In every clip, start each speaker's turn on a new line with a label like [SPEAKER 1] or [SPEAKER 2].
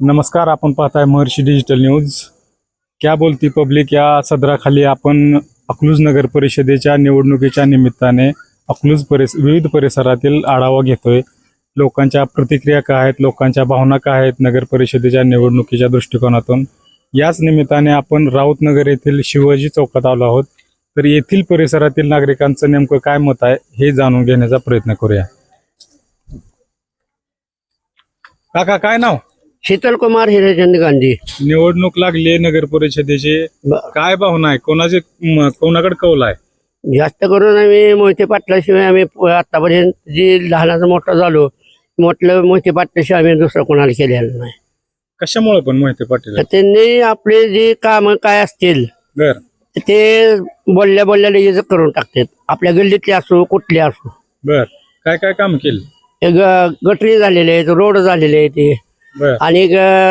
[SPEAKER 1] नमस्कार, आपण पाहताय महर्षी डिजिटल न्यूज. क्या बोलती पब्लिक या सदराखाली आपण अकलूज नगर परिषदेच्या निवडणुकीच्या निमित्ताने विविध परिसरातील आढावा घेतोय. लोकांच्या प्रतिक्रिया काय आहेत, लोकांच्या भावना काय आहेत नगर परिषदेच्या निवडणुकीच्या दृष्टिकोनातून. याच निमित्ताने आपण राऊतनगर येथील शिवाजी चौकात आलो आहोत. तर येथील परिसरातील नागरिकांचं नेमकं काय मत आहे हे जाणून घेण्याचा प्रयत्न करूया. काका, काय नाव?
[SPEAKER 2] शीतल कुमार हिरेचंद गांधी.
[SPEAKER 1] निवडणूक लागली नगर परिषदेची, काय भावना आहे? कोणाकडे कौल आहे?
[SPEAKER 2] जास्त करून आम्ही मोहिते पाटलाशिवाय आम्ही आतापर्यंत जी लहानाचा मोठा झालो, मोहिते पाटलाशिवाय आम्ही दुसरं कोणाला केलेलं नाही.
[SPEAKER 1] कशामुळे पण मोहिते पाटील?
[SPEAKER 2] तर त्यांनी आपले जे काम काय असतील
[SPEAKER 1] बर
[SPEAKER 2] ते बोलल्या लगेच करून टाकतात. आपल्या गल्लीतले असो कुठले असो.
[SPEAKER 1] बर काय काय काम केलं?
[SPEAKER 2] गटरी झालेले आहेत, रोड झालेले आहेत ते.
[SPEAKER 1] बर
[SPEAKER 2] आणि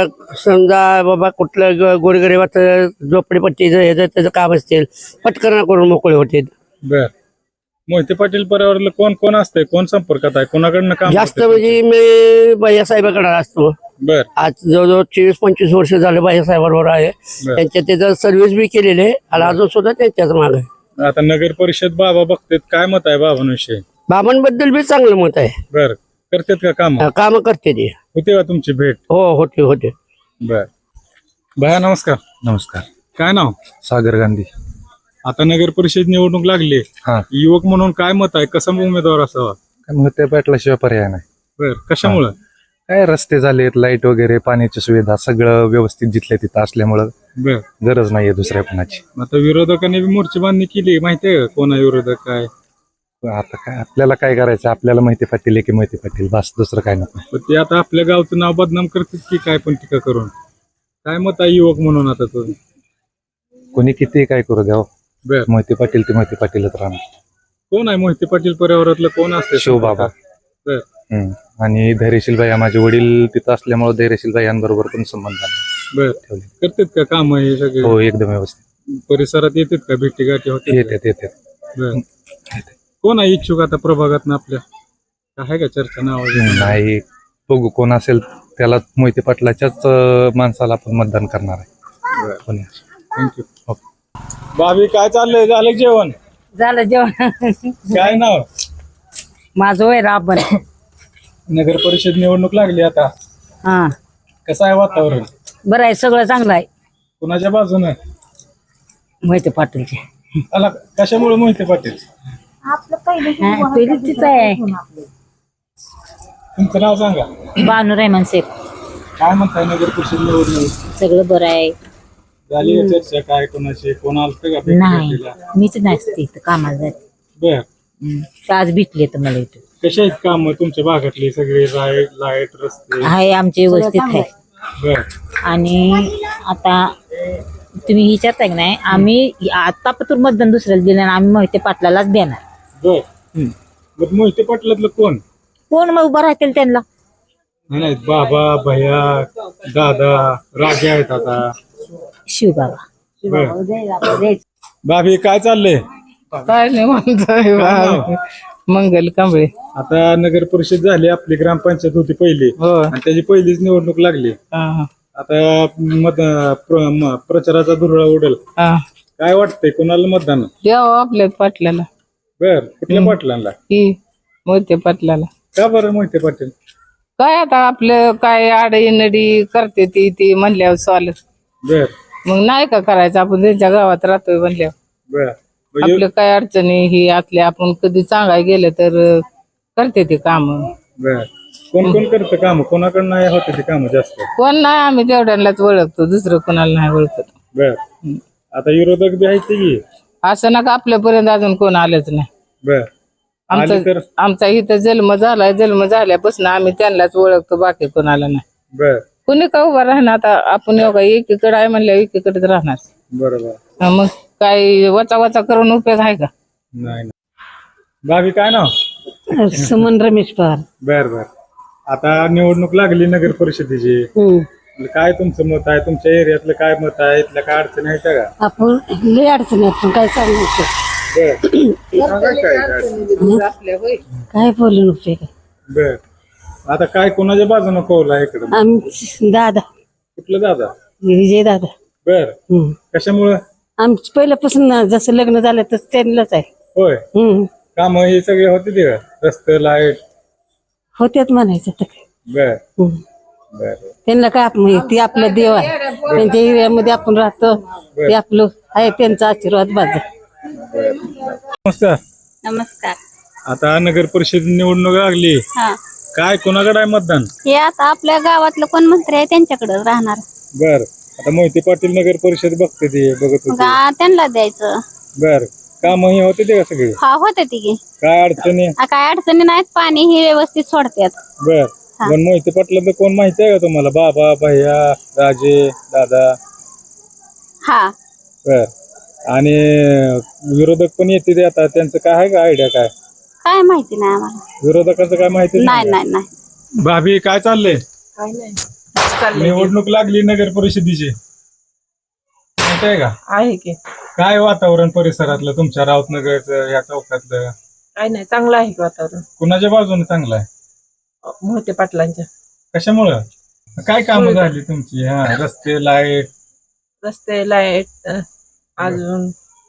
[SPEAKER 2] समजा बाबा कुठलं गोरगरिबाचं झोपडीपट्टीचं त्याचं काम असतील, पटकन करून मोकळे होते.
[SPEAKER 1] बर मोहिते पाटील परिवाराला कोण कोण असतंय, कोण संपर्कात आहे, कोणाकडनं काम
[SPEAKER 2] जास्त
[SPEAKER 1] होतंय?
[SPEAKER 2] म्हणजे मी भैयासाहेबाकडे असतो.
[SPEAKER 1] बर
[SPEAKER 2] आज जवळजवळ 24-25 वर्ष झालं भैयासाहेबांवर आहे.
[SPEAKER 1] बर.
[SPEAKER 2] त्यांच्या त्याचं सर्व्हिस बी केलेली आहे आणि अजून सुद्धा त्यांच्याच माग आहे.
[SPEAKER 1] आता नगर परिषद बाबा बघतात, काय मत आहे बाबांविषयी?
[SPEAKER 2] बाबांबद्दल बी चांगलं मत आहे.
[SPEAKER 1] बर करतात का काम?
[SPEAKER 2] काम करते ते.
[SPEAKER 1] होते का तुमची भेट?
[SPEAKER 2] हो, होते.
[SPEAKER 1] बर भया, नमस्कार.
[SPEAKER 3] नमस्कार.
[SPEAKER 1] काय नाव?
[SPEAKER 3] सागर गांधी.
[SPEAKER 1] आता नगर परिषद निवडणूक लागली,
[SPEAKER 3] हा,
[SPEAKER 1] युवक म्हणून काय मत आहे? कसा उमेदवार असावा?
[SPEAKER 3] काय मोहिते पाटलाशिवाय पर्याय नाही.
[SPEAKER 1] बर कशामुळं?
[SPEAKER 3] काय रस्ते झालेत, लाईट वगैरे, पाण्याची सुविधा सगळं व्यवस्थित जिथल्या तिथं असल्यामुळं
[SPEAKER 1] बर
[SPEAKER 3] गरज नाहीये दुसऱ्या कोणाची.
[SPEAKER 1] आता विरोधकांनी बी मोर्चे बांधणी केली, माहितीये का कोणा विरोधक काय?
[SPEAKER 3] आता काय आपल्याला काय करायचं? आपल्याला मोहिते पाटील आहे की मोहिते पाटील, बस दुसरं काय नको.
[SPEAKER 1] पण ते आता आपल्या गावचं नाव बदनाम करतात की काय पण टीका करून. काय मत आहे युवक म्हणून आता तो?
[SPEAKER 3] कोणी किती काय करू द्यावं,
[SPEAKER 1] बर
[SPEAKER 3] मोहिते पाटील ते मोहिते पाटीलच राहणार.
[SPEAKER 1] कोण आहे मोहिते पाटील परिवारातलं, कोण असते?
[SPEAKER 3] शिवबाबा.
[SPEAKER 1] बर
[SPEAKER 3] आणि धैर्यशील भाई, माझे वडील तिथं असल्यामुळे धैर्यशील भाईंबरोबर पण संबंध आले
[SPEAKER 1] बर
[SPEAKER 3] ठेवले.
[SPEAKER 1] करतात का काम हे सगळे?
[SPEAKER 3] हो, एकदम व्यवस्थित.
[SPEAKER 1] परिसरात येतात का, भेटी गाठी होते?
[SPEAKER 3] येतात.
[SPEAKER 1] बर कोण आहे इच्छुक आता प्रभागात आपल्या? आहे का चर्चा नाव?
[SPEAKER 3] नाही, बघू कोण असेल त्याला, मोहिते पाटलाच्याच माणसाला आपण मतदान करणार आहे. कोणी असेल.
[SPEAKER 1] थँक्यू. भाभी, काय चाललंय? झालं जेवण?
[SPEAKER 4] झालं जेवण.
[SPEAKER 1] काय नाव?
[SPEAKER 4] माझं वय राबन.
[SPEAKER 1] नगर परिषद निवडणूक लागली आता,
[SPEAKER 4] हा,
[SPEAKER 1] कसं आहे वातावरण?
[SPEAKER 4] बरं आहे, सगळं चांगलं आहे.
[SPEAKER 1] कुणाच्या बाजूने?
[SPEAKER 4] मोहिते पाटीलचे.
[SPEAKER 1] आला कशामुळे मोहिते पाटील?
[SPEAKER 4] पहिली तीच आहे.
[SPEAKER 1] तुमचं नाव सांगा.
[SPEAKER 4] बानू रेहमान शेख.
[SPEAKER 1] काय म्हणताय नगर परिषद निवडणूक
[SPEAKER 4] सगळं बरं आहे.
[SPEAKER 1] झाली का चर्चा? काय कोणाशी कोण आलं का भेटी
[SPEAKER 4] नाही,
[SPEAKER 1] गाठीला?
[SPEAKER 4] मीच नसते इथं कामाला जाते.
[SPEAKER 1] बर
[SPEAKER 4] आज भेटले तर मला इथं.
[SPEAKER 1] कशा आहेत काम तुमच्या भागातली सगळे? लाईट रस्ते
[SPEAKER 4] आहे आमचे व्यवस्थित आहे.
[SPEAKER 1] बर
[SPEAKER 4] आणि आता तुम्ही विचारताय की नाही, आम्ही आता पण मतदान दुसऱ्याला दिलं आणि आम्ही मोहिते पाटलालाच देणार.
[SPEAKER 1] बर मग मोहिते पाटलातलं
[SPEAKER 4] कोण मग उभं राहतील त्यांना?
[SPEAKER 1] नाही, बाबा, भैया, दादा, राजे आहेत आता.
[SPEAKER 4] शिवबाबा.
[SPEAKER 1] बर भाभी, काय चाललंय?
[SPEAKER 5] काय नाही म्हणतोय
[SPEAKER 1] काय नाव?
[SPEAKER 5] मंगल कांबळे.
[SPEAKER 1] आता नगर परिषद झाली, आपली ग्रामपंचायत होती पहिली
[SPEAKER 5] हो.
[SPEAKER 1] आणि त्याची पहिलीच निवडणूक लागली.
[SPEAKER 5] हा,
[SPEAKER 1] आता प्रचाराचा धुरळा उडेल.
[SPEAKER 5] हा.
[SPEAKER 1] काय वाटतंय, कोणाला मतदान?
[SPEAKER 5] द्यावं आपल्या पाटलाला,
[SPEAKER 1] बर कुठल्या पाटलांना?
[SPEAKER 5] की मोहिते पाटलाला.
[SPEAKER 1] का बरं मोहिते पाटील?
[SPEAKER 5] काय आता आपलं काय आडईनडी करते ती म्हणल्यावर चालत.
[SPEAKER 1] बर
[SPEAKER 5] मग नाही का करायचं, आपण त्यांच्या गावात राहतोय म्हणल्यावर.
[SPEAKER 1] बर म्हणजे
[SPEAKER 5] आपलं काय अडचणी ही असल्या, आपण कधी सांगाय गेलं तर करते ते काम.
[SPEAKER 1] बर कोण कोण करतं काम? कोणाकडे नाही होते ते काम जास्त?
[SPEAKER 5] कोण नाही, आम्ही तेवढ्यालाच ओळखतो, दुसरं कोणाला नाही ओळखत.
[SPEAKER 1] बर आता विरोधक बी आहेत की?
[SPEAKER 5] असं ना का आपल्यापर्यंत अजून कोण आलंच नाही.
[SPEAKER 1] बर आली तर?
[SPEAKER 5] आमचा इथं जन्म झाल्यापासून आम्ही त्यांनाच ओळखतो, बाकी कोणाला नाही.
[SPEAKER 1] बर
[SPEAKER 5] कुणी का उभा राहणार? आता आपण एवढा एकीकडे आहे म्हणल्या एकीकडेच राहणार.
[SPEAKER 1] बरोबर.
[SPEAKER 5] मग काही वचा करून उपयोग आहे का?
[SPEAKER 1] नाही. भाभी, काय नाव?
[SPEAKER 4] सुमन रमेश पवार.
[SPEAKER 1] बर बर आता निवडणूक लागली नगर परिषदेची, काय तुमचं मत आहे? तुमच्या एरियातलं काय मत आहे? इथल्या काय अडचणी आहेत का?
[SPEAKER 4] आपण लय अडचणी आपण काय सांगू काय बोलून उपयोग?
[SPEAKER 1] बर आता काय कोणाच्या बाजूने कौल आहे इकडं?
[SPEAKER 4] आमची दादा
[SPEAKER 1] कुठलं दादा?
[SPEAKER 6] विजय दादा.
[SPEAKER 1] बर. कशामुळं?
[SPEAKER 6] आमचं पहिल्यापासून जसं लग्न झालं तसं त्यांनाच आहे.
[SPEAKER 1] होय. काम हे सगळे होते ते रस्ते लाईट
[SPEAKER 6] होत्यात म्हणायचं तर काय.
[SPEAKER 1] बर बर.
[SPEAKER 6] त्यांना काय आपण ती आपला देव आहे. त्यांच्या एरियामध्ये आपण राहतो ते आपलं आहे त्यांचा आशीर्वाद बाज.
[SPEAKER 1] नमस्कार.
[SPEAKER 7] नमस्कार.
[SPEAKER 1] आता नगर परिषद निवडणूक लागली.
[SPEAKER 7] हा,
[SPEAKER 1] काय कोणाकडे आहे मतदान?
[SPEAKER 7] हे आता आपल्या गावातलं कोण मंत्री आहे त्यांच्याकडे राहणार.
[SPEAKER 1] बर. आता मोहिते पाटील नगर परिषद बघते ते बघत होते.
[SPEAKER 7] त्यांना द्यायचं.
[SPEAKER 1] बर. काम हे होते ते का सगळे?
[SPEAKER 7] हा, होते ती की.
[SPEAKER 1] काय अडचणी?
[SPEAKER 7] काय अडचणी नाहीत, पाणी हे व्यवस्थित सोडतात.
[SPEAKER 1] बर. पण मोहिते पाटलांचं कोण माहिती आहे का तुम्हाला? बाबा, भैया, राजे, दादा?
[SPEAKER 7] हा.
[SPEAKER 1] बर. आणि विरोधक पण येते ते आता, त्यांचं काय आहे का आयडिया? काय
[SPEAKER 7] माहिती नाही आम्हाला.
[SPEAKER 1] विरोधकांचं काय माहिती
[SPEAKER 7] नाही.
[SPEAKER 1] भाभी काय चाललंय?
[SPEAKER 5] काय नाही.
[SPEAKER 1] निवडणूक लागली नगर परिषदेची, माहिती आहे का?
[SPEAKER 5] आहे की.
[SPEAKER 1] काय वातावरण परिसरातलं तुमच्या राऊतनगरचं या चौकातलं?
[SPEAKER 5] काय नाही, चांगलं आहे की वातावरण.
[SPEAKER 1] कुणाच्या बाजूने चांगलं आहे?
[SPEAKER 5] मोहिते पाटलांच्या.
[SPEAKER 1] कशामुळं? काय कामं झाली तुमची? हा, रस्ते, लाईट,
[SPEAKER 5] रस्ते, लाईट, अजून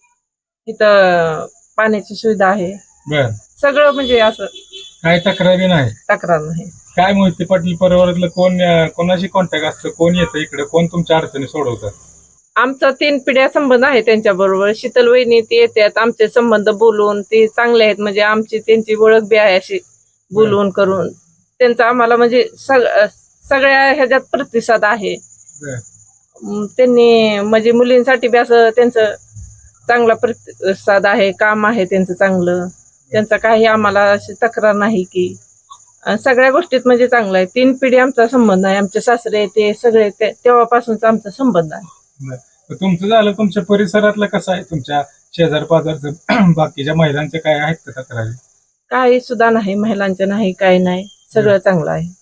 [SPEAKER 5] इथं पाण्याची सुविधा आहे.
[SPEAKER 1] बर.
[SPEAKER 5] सगळं म्हणजे असं
[SPEAKER 1] काय तक्रारी नाही?
[SPEAKER 5] तक्रार नाही.
[SPEAKER 1] काय मोहिते पाटील परिवारातलं कोणाशी कॉन्टॅक्ट असतं? कोण येतं इकडे? कोण तुमच्या अडचणी सोडवतात?
[SPEAKER 5] आमचा 3 पिढ्या संबंध आहे त्यांच्या बरोबर. शीतल वहिनी ती येतात, आमचे संबंध बोलून ते चांगले आहेत. म्हणजे आमची त्यांची ओळख बी आहे अशी बोलून करून. त्यांचा आम्हाला म्हणजे सगळ्या ह्याच्यात प्रतिसाद आहे. त्यांनी म्हणजे मुलींसाठी बी असं त्यांचं चांगला प्रतिसाद आहे. काम आहे त्यांचं चांगलं. त्यांचा काही आम्हाला अशी तक्रार नाही की. सगळ्या गोष्टीत म्हणजे चांगलं आहे. 3 पिढी आमचा संबंध आहे. आमचे सासरे ते सगळे तेव्हापासूनचा आमचा संबंध आहे.
[SPEAKER 1] तुमचं झालं, तुमच्या परिसरातलं कसं आहे? तुमच्या शेजार पाजारचं बाकीच्या महिलांचे काय आहेत का तक्रारी?
[SPEAKER 5] काही सुद्धा नाही, महिलांचं नाही, काही नाही, सगळं चांगलं आहे.